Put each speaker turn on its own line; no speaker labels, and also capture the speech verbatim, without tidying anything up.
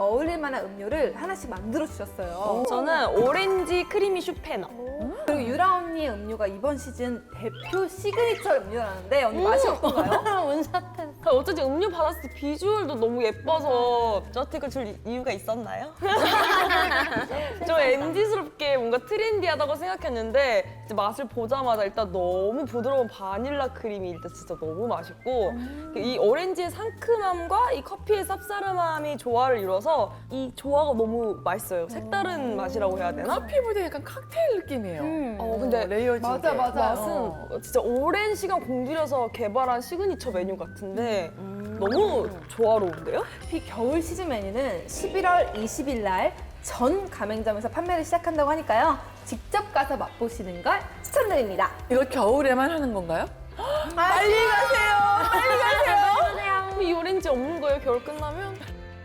어울릴 만한 음료를 하나씩 만들어 주셨어요.
저는 오렌지 크리미 슈페너.
그리고 유라 언니의 음료가 이번 시즌 대표 시그니처 음료라는데 언니 맛이 어떤가요?
원샷했어.
어쩐지 음료 받았을 때 비주얼도 너무 예뻐서 저한테 줄 이유가 있었나요? 좀 엠지스럽게 뭔가 트렌디하다고 생각했는데 이제 맛을 보자마자 일단 너무 부드러운 바닐라 크림이 일단 진짜 너무 맛있고 이 오렌지의 상큼함과 이 커피의 쌉싸름함이 조화를 이뤄서 이 조화가 너무 맛있어요. 색다른 맛이라고 해야 되나?
커피보다 약간 칵테일 느낌이에요.
어, 근데
레이어진
맞아,
게.
맞아.
맛은 진짜 오랜 시간 공들여서 개발한 시그니처 메뉴 같은데 너무 조화로운데요?
이 겨울 시즌 메뉴는 십일월 이십일 날 전 가맹점에서 판매를 시작한다고 하니까요. 직접 가서 맛보시는 걸 추천드립니다.
이거 겨울에만 하는 건가요?
빨리 가세요. 빨리 가세요.
이 오렌지 없는 거예요, 겨울 끝나면?